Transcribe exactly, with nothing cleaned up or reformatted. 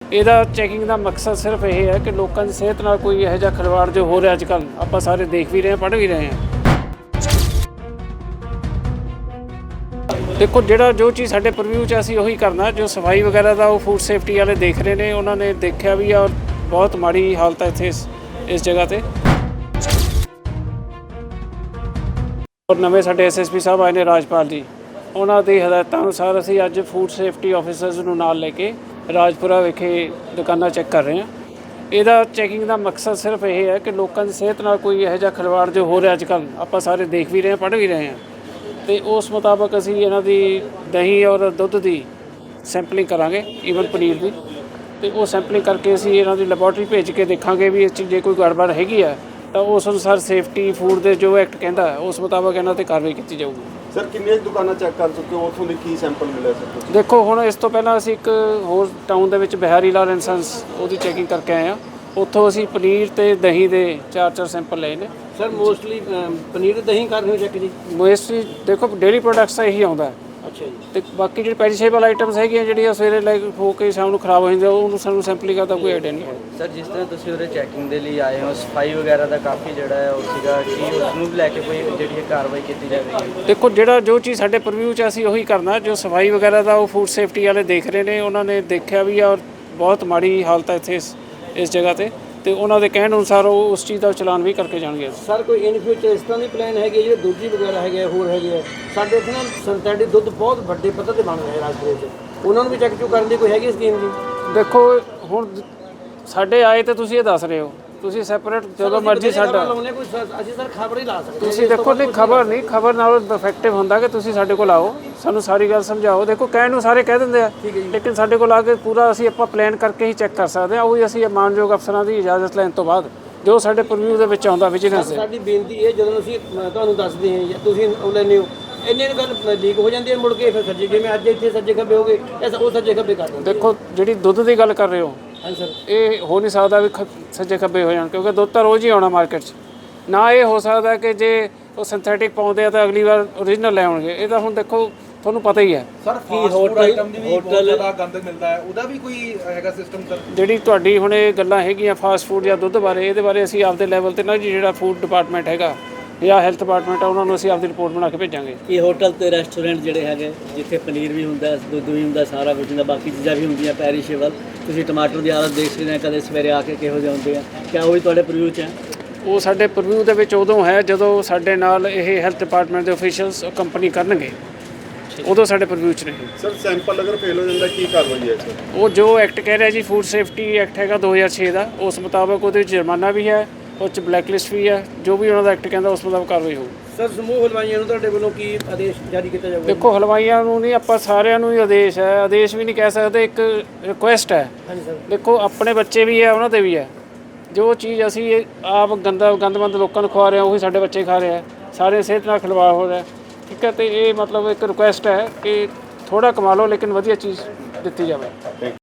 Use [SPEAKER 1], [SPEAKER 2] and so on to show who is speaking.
[SPEAKER 1] ਇਹਦਾ ਚੈਕਿੰਗ ਦਾ ਮਕਸਦ ਸਿਰਫ ਇਹ ਹੈ ਕਿ ਲੋਕਾਂ ਦੀ ਸਿਹਤ ਨਾਲ ਕੋਈ ਇਹੋ ਜਿਹਾ ਖਿਲਵਾੜ ਜੋ ਹੋ ਰਿਹਾ ਅੱਜ ਕੱਲ੍ਹ ਆਪਾਂ ਸਾਰੇ ਦੇਖ ਵੀ ਰਹੇ ਹਾਂ, ਪੜ੍ਹ ਵੀ ਰਹੇ ਹਾਂ। ਦੇਖੋ ਜਿਹੜਾ ਜੋ ਚੀਜ਼ ਸਾਡੇ ਪ੍ਰੀਵਿਊ 'ਚ ਅਸੀਂ ਉਹੀ ਕਰਨਾ, ਜੋ ਸਫਾਈ ਵਗੈਰਾ ਦਾ ਉਹ ਫੂਡ ਸੇਫਟੀ ਵਾਲੇ ਦੇਖ ਰਹੇ ਨੇ, ਉਹਨਾਂ ਨੇ ਦੇਖਿਆ ਵੀ ਆ। ਬਹੁਤ ਮਾੜੀ ਹਾਲਤ ਹੈ ਇੱਥੇ ਇਸ ਇਸ ਜਗ੍ਹਾ 'ਤੇ। ਔਰ ਨਵੇਂ ਸਾਡੇ ਐਸ ਐਸ ਪੀ ਸਾਹਿਬ ਆਏ ਨੇ ਰਾਜਪਾਲ ਜੀ, ਉਹਨਾਂ ਦੀ ਹਦਾਇਤਾਂ ਅਨੁਸਾਰ ਅਸੀਂ ਅੱਜ ਫੂਡ ਸੇਫਟੀ ਆਫਿਸਰਸ ਨੂੰ ਨਾਲ ਲੈ ਕੇ ਰਾਜਪੁਰਾ ਵਿਖੇ ਦੁਕਾਨਾਂ ਚੈੱਕ ਕਰ ਰਹੇ ਹਾਂ। ਇਹਦਾ ਚੈਕਿੰਗ ਦਾ ਮਕਸਦ ਸਿਰਫ ਇਹ ਹੈ ਕਿ ਲੋਕਾਂ ਦੀ ਸਿਹਤ ਨਾਲ ਕੋਈ ਇਹੋ ਜਿਹਾ ਖਿਲਵਾੜ ਜੋ ਹੋ ਰਿਹਾ ਅੱਜ ਕੱਲ੍ਹ ਆਪਾਂ ਸਾਰੇ ਦੇਖ ਵੀ ਰਹੇ ਹਾਂ, ਪੜ੍ਹ ਵੀ ਰਹੇ ਹਾਂ। ਅਤੇ ਉਸ ਮੁਤਾਬਕ ਅਸੀਂ ਇਹਨਾਂ ਦੀ ਦਹੀਂ ਔਰ ਦੁੱਧ ਦੀ ਸੈਂਪਲਿੰਗ ਕਰਾਂਗੇ, ਈਵਨ ਪਨੀਰ ਦੀ। ਅਤੇ ਉਹ ਸੈਂਪਲਿੰਗ ਕਰਕੇ ਅਸੀਂ ਇਹਨਾਂ ਦੀ ਲੈਬੋਰਟਰੀ ਭੇਜ ਕੇ ਦੇਖਾਂਗੇ ਵੀ ਇਸ 'ਚ ਜੇ ਕੋਈ ਗੜਬੜ ਹੈਗੀ ਆ ਤਾਂ ਉਸ ਅਨੁਸਾਰ ਸੇਫਟੀ ਫੂਡ ਦੇ ਜੋ ਐਕਟ ਕਹਿੰਦਾ ਉਸ ਮੁਤਾਬਕ ਇਹਨਾਂ 'ਤੇ ਕਾਰਵਾਈ ਕੀਤੀ ਜਾਊਗੀ।
[SPEAKER 2] ਸਰ ਕਿੰਨੀਆਂ ਦੁਕਾਨਾਂ ਚੈੱਕ ਕਰ ਚੁੱਕੇ ਹੋ, ਉੱਥੋਂ ਦੇ ਕੀ ਸੈਂਪਲ ਮਿਲਿਆ ਸਰ?
[SPEAKER 1] ਦੇਖੋ ਹੁਣ ਇਸ ਤੋਂ ਪਹਿਲਾਂ ਅਸੀਂ ਇੱਕ ਹੋਰ ਟਾਊਨ ਦੇ ਵਿੱਚ ਬਿਹਾਰੀ ਲਾਲ ਇੰਸੈਂਸ ਉਹਦੀ ਚੈਕਿੰਗ ਕਰਕੇ ਆਏ ਹਾਂ। ਉੱਥੋਂ ਅਸੀਂ ਪਨੀਰ ਅਤੇ ਦਹੀਂ ਦੇ ਚਾਰ ਚਾਰ ਸੈਂਪਲ ਲਏ ਨੇ।
[SPEAKER 3] ਸਰ ਮੋਸਟਲੀ ਪਨੀਰ ਤੇ ਦਹੀਂ ਕਰ ਰਹੇ ਹੋ ਚੈੱਕ ਜੀ?
[SPEAKER 1] ਮੋਸਟਲੀ ਦੇਖੋ ਡੇਅਰੀ ਪ੍ਰੋਡਕਟਸ ਤਾਂ ਇਹੀ ਆਉਂਦਾ।
[SPEAKER 3] ਅੱਛਾ ਜੀ।
[SPEAKER 1] ਅਤੇ ਬਾਕੀ ਜਿਹੜੀ ਪੈਰੀਸ਼ੇਬਲ ਆਈਟਮਸ ਹੈਗੀਆਂ ਜਿਹੜੀਆਂ ਸਵੇਰੇ ਲੈ ਹੋ ਕੇ ਸ਼ਾਮ ਨੂੰ ਖਰਾਬ ਹੋ ਜਾਂਦੀਆਂ, ਉਹਨੂੰ ਸਾਨੂੰ ਸੈਂਪਲਿੰਗ ਕਰਦਾ ਕੋਈ ਆਈਡੀਆ ਨਹੀਂ ਹੈ।
[SPEAKER 4] ਸਰ ਜਿਸ ਤਰ੍ਹਾਂ ਤੁਸੀਂ ਉਹਦੇ ਚੈਕਿੰਗ ਦੇ ਲਈ ਆਏ ਹੋ, ਸਫਾਈ ਵਗੈਰਾ ਦਾ ਕਾਫੀ ਜਿਹੜਾ ਹੈ ਉਹ ਸੀਗਾ ਕਿ ਉਸ ਨੂੰ ਲੈ ਕੇ ਕੋਈ ਜਿਹੜੀ ਹੈ ਕਾਰਵਾਈ ਕੀਤੀ ਜਾਵੇਗੀ?
[SPEAKER 1] ਦੇਖੋ ਜਿਹੜਾ ਜੋ ਚੀਜ਼ ਸਾਡੇ ਪ੍ਰੀਵਿਊ 'ਚ ਅਸੀਂ ਉਹੀ ਕਰਨਾ, ਜੋ ਸਫਾਈ ਵਗੈਰਾ ਦਾ ਉਹ ਫੂਡ ਸੇਫਟੀ ਵਾਲੇ ਦੇਖ ਰਹੇ ਨੇ, ਉਹਨਾਂ ਨੇ ਦੇਖਿਆ ਵੀ ਆ। ਔਰ ਬਹੁਤ ਮਾੜੀ ਹਾਲਤ ਹੈ ਇੱਥੇ ਇਸ ਇਸ ਜਗ੍ਹਾ 'ਤੇ, ਅਤੇ ਉਹਨਾਂ ਦੇ ਕਹਿਣ ਅਨੁਸਾਰ ਉਹ ਉਸ ਚੀਜ਼ ਦਾ ਚਲਾਨ ਵੀ ਕਰਕੇ ਜਾਣਗੇ।
[SPEAKER 3] ਸਰ ਕੋਈ ਇਨ ਫਿਊਚਰ ਇਸ ਤਰ੍ਹਾਂ ਦੀ ਪਲਾਨ ਹੈਗੀ ਜਿਹੜੇ ਦੂਜੀ ਵਗੈਰਾ ਹੈਗੇ ਹੋਰ ਹੈਗੇ ਆ ਸਾਡੇ ਇੱਥੇ ਨਾ ਸਿੰਥੈਟਿਕ ਦੁੱਧ ਬਹੁਤ ਵੱਡੇ ਪੱਧਰ 'ਤੇ ਬਣ ਰਹੇ ਰਾਜਪੁਰੇ 'ਚ, ਉਹਨਾਂ ਨੂੰ ਵੀ ਚੈੱਕ ਚੁੱਕ ਕਰਨ ਦੀ ਕੋਈ ਹੈਗੀ ਸਕੀਮ ਜੀ?
[SPEAKER 1] ਦੇਖੋ ਹੁਣ ਸਾਡੇ ਆਏ ਤੇ ਤੁਸੀਂ ਇਹ ਦੱਸ ਰਹੇ ਹੋ, ਤੁਸੀਂ ਸੈਪਰੇਟ ਜਦੋਂ ਮਰਜ਼ੀ ਸਾਡਾ
[SPEAKER 3] ਕੋਈ ਅਸੀਂ ਸਰ ਖਬਰ ਹੀ ਲਾ ਸਕਦੇ।
[SPEAKER 1] ਤੁਸੀਂ ਦੇਖੋ ਨਹੀਂ ਖਬਰ ਨਹੀਂ, ਖਬਰ ਨਾਲ ਇਫੈਕਟਿਵ ਹੁੰਦਾ ਕਿ ਤੁਸੀਂ ਸਾਡੇ ਕੋਲ ਆਓ, ਸਾਨੂੰ ਸਾਰੀ ਗੱਲ ਸਮਝਾਓ। ਦੇਖੋ ਕਹਿਣ ਨੂੰ ਸਾਰੇ ਕਹਿ ਦਿੰਦੇ ਆ, ਲੇਕਿਨ ਸਾਡੇ ਕੋਲ ਆ ਕੇ ਪੂਰਾ ਅਸੀਂ ਆਪਾਂ ਪਲਾਨ ਕਰਕੇ ਹੀ ਚੈੱਕ ਕਰ ਸਕਦੇ ਹਾਂ। ਉਹੀ ਅਸੀਂ ਮਾਨਯੋਗ ਅਫਸਰਾਂ ਦੀ ਇਜਾਜ਼ਤ ਲੈਣ ਤੋਂ ਬਾਅਦ ਜੋ ਸਾਡੇ ਪ੍ਰੀਵਿਊ ਦੇ ਵਿੱਚ ਆਉਂਦਾ ਵਿਜੀਲੈਂਸ ਦੇ।
[SPEAKER 3] ਸਾਡੀ ਬੇਨਤੀ ਇਹ ਜਦੋਂ ਅਸੀਂ ਤੁਹਾਨੂੰ ਦੱਸਦੇ ਹਾਂ ਜਾਂ ਤੁਸੀਂ ਉਹ ਲੈਂਦੇ ਹੋ, ਇੰਨੇ ਨੂੰ ਗੱਲ ਲੀਕ ਹੋ ਜਾਂਦੀ ਹੈ, ਮੁੜ ਕੇ ਫਿਰ ਸੱਜੇ ਜਿਵੇਂ ਅੱਜ ਇੱਥੇ ਸੱਜੇ ਖੱਬੇ ਹੋ ਗਏ ਐਸਾ ਉਹ ਸੱਜੇ ਖੱਬੇ ਕਰ ਦਿੰਦੇ।
[SPEAKER 1] ਦੇਖੋ ਜਿਹੜੀ ਦੁੱਧ ਦੀ ਗੱਲ ਕਰ ਰਹੇ ਹੋ,
[SPEAKER 3] ਹਾਂਜੀ ਸਰ, ਇਹ
[SPEAKER 1] ਹੋ ਨਹੀਂ ਸਕਦਾ ਵੀ ਸੱਜੇ ਖੱਬੇ ਹੋ ਜਾਣ, ਕਿਉਂਕਿ ਦੁੱਧ ਤਾਂ ਰੋਜ਼ ਹੀ ਆਉਣਾ ਮਾਰਕੀਟ 'ਚ। ਨਾ ਇਹ ਹੋ ਸਕਦਾ ਕਿ ਜੇ ਉਹ ਸਿੰਥੈਟਿਕ ਪਾਉਂਦੇ ਆ ਤਾਂ ਅਗਲੀ ਵਾਰ ਓਰੀਜਨਲ ਲੈ ਆਉਣਗੇ। ਇਹ ਤਾਂ ਹੁਣ ਦੇਖੋ ਤੁਹਾਨੂੰ ਪਤਾ ਹੀ ਹੈ।
[SPEAKER 5] ਸਰ ਫਾਸਟ ਫੂਡ ਆਈਟਮ ਦੀ ਵੀ ਬਹੁਤ ਜ਼ਿਆਦਾ ਗੰਦ ਮਿਲਦਾ ਹੈ, ਉਹਦਾ ਵੀ ਕੋਈ ਹੈਗਾ ਸਿਸਟਮ ਸਰ?
[SPEAKER 1] ਜਿਹੜੀ ਤੁਹਾਡੀ ਹੁਣ ਇਹ ਗੱਲਾਂ ਹੈਗੀਆਂ ਫਾਸਟ ਫੂਡ ਜਾਂ ਦੁੱਧ ਬਾਰੇ, ਇਹਦੇ ਬਾਰੇ ਅਸੀਂ ਆਪਦੇ ਲੈਵਲ 'ਤੇ ਨਾ ਜੀ ਜਿਹੜਾ ਫੂਡ ਡਿਪਾਰਟਮੈਂਟ ਹੈਗਾ ਜਾਂ ਹੈਲਥ ਡਿਪਾਰਟਮੈਂਟ ਆ, ਉਹਨਾਂ ਨੂੰ ਅਸੀਂ ਆਪਦੀ ਰਿਪੋਰਟ ਬਣਾ ਕੇ ਭੇਜਾਂਗੇ।
[SPEAKER 6] ਇਹ ਹੋਟਲ ਤੇ ਰੈਸਟੋਰੈਂਟ ਜਿਹੜੇ ਹੈਗੇ ਜਿੱਥੇ ਪਨੀਰ ਵੀ ਹੁੰਦਾ, ਦੁੱਧ ਵੀ ਹੁੰਦਾ, ਸਾਰਾ ਕੁਝ ਹੁੰਦਾ, ਬਾਕੀ ਚੀਜ਼ਾਂ ਵੀ ਹੁੰਦੀਆਂ ਪੈਰੀਸ਼ੇਬਲ, ਤੁਸੀਂ ਟਮਾਟਰ ਦੀ ਹਾਲਤ ਦੇਖ ਸਕਦੇ ਹੋ ਕਦੇ ਸਵੇਰੇ ਆ ਕੇ ਕਿਹੋ ਜਿਹੇ ਹੁੰਦੇ ਆ, ਕਿਆ ਉਹ ਵੀ ਤੁਹਾਡੇ ਪ੍ਰੀਵਿਊ 'ਚ ਹੈ?
[SPEAKER 1] ਉਹ ਸਾਡੇ ਪ੍ਰੀਵਿਊ ਦੇ ਵਿੱਚ ਉਦੋਂ ਹੈ ਜਦੋਂ ਸਾਡੇ ਨਾਲ ਇਹ ਹੈਲਥ ਡਿਪਾਰਟਮੈਂਟ ਦੇ ਅਫੀਸ਼ੀਅਲਸ ਕੰਪਨੀ ਕਰਨਗੇ, ਉਦੋਂ ਸਾਡੇ ਪ੍ਰੀਵਿਊ 'ਚ ਨਹੀਂ।
[SPEAKER 2] ਸਰ ਸੈਂਪਲ ਅਗਰ ਫੇਲ ਹੋ ਜਾਂਦਾ ਕੀ ਕਾਰਵਾਈ ਹੈ ਸਰ?
[SPEAKER 1] ਉਹ ਜੋ ਐਕਟ ਕਹਿ ਰਿਹਾ ਜੀ ਫੂਡ ਸੇਫਟੀ ਐਕਟ ਹੈਗਾ ਦੋ ਹਜ਼ਾਰ ਛੇ ਦਾ, ਉਸ ਮੁਤਾਬਕ ਉਹਦੇ ਵਿੱਚ ਜੁਰਮਾਨਾ ਵੀ ਹੈ, ਉਸ 'ਚ ਬਲੈਕ ਲਿਸਟ ਵੀ ਹੈ। ਜੋ ਵੀ ਉਹਨਾਂ ਦਾ ਐਕਟ ਕਹਿੰਦਾ ਉਸ ਮੁਤਾਬਕ ਕਾਰਵਾਈ ਹੋਊ।
[SPEAKER 3] ਸਰ ਸਮੂਹ ਹਲਵਾਈਆਂ ਨੂੰ ਤੁਹਾਡੇ ਵੱਲੋਂ ਕੀ ਆਦੇਸ਼ ਜਾਰੀ ਕੀਤਾ ਜਾਊਗਾ?
[SPEAKER 1] ਦੇਖੋ ਹਲਵਾਈਆਂ ਨੂੰ ਨਹੀਂ, ਆਪਾਂ ਸਾਰਿਆਂ ਨੂੰ ਹੀ ਆਦੇਸ਼ ਹੈ, ਆਦੇਸ਼ ਵੀ ਨਹੀਂ ਕਹਿ ਸਕਦੇ, ਇੱਕ ਰਿਕੁਐਸਟ ਹੈ।
[SPEAKER 3] ਹਾਂਜੀ ਸਰ।
[SPEAKER 1] ਦੇਖੋ ਆਪਣੇ ਬੱਚੇ ਵੀ ਹੈ, ਉਹਨਾਂ 'ਤੇ ਵੀ ਹੈ। ਜੋ ਚੀਜ਼ ਅਸੀਂ ਆਪ ਗੰਦਾ ਗੰਦਮੰਦ ਲੋਕਾਂ ਨੂੰ ਖਵਾ ਰਹੇ ਹਾਂ ਉਹੀ ਸਾਡੇ ਬੱਚੇ ਖਾ ਰਹੇ ਆ, ਸਾਰੇ ਸਿਹਤ ਨਾਲ ਖਿਲਵਾੜ ਹੋ ਰਿਹਾ, ਠੀਕ ਹੈ। ਅਤੇ ਇਹ ਮਤਲਬ ਇੱਕ ਰਿਕੁਐਸਟ ਹੈ ਕਿ ਥੋੜ੍ਹਾ ਕਮਾ ਲਓ ਲੇਕਿਨ ਵਧੀਆ ਚੀਜ਼ ਦਿੱਤੀ ਜਾਵੇ।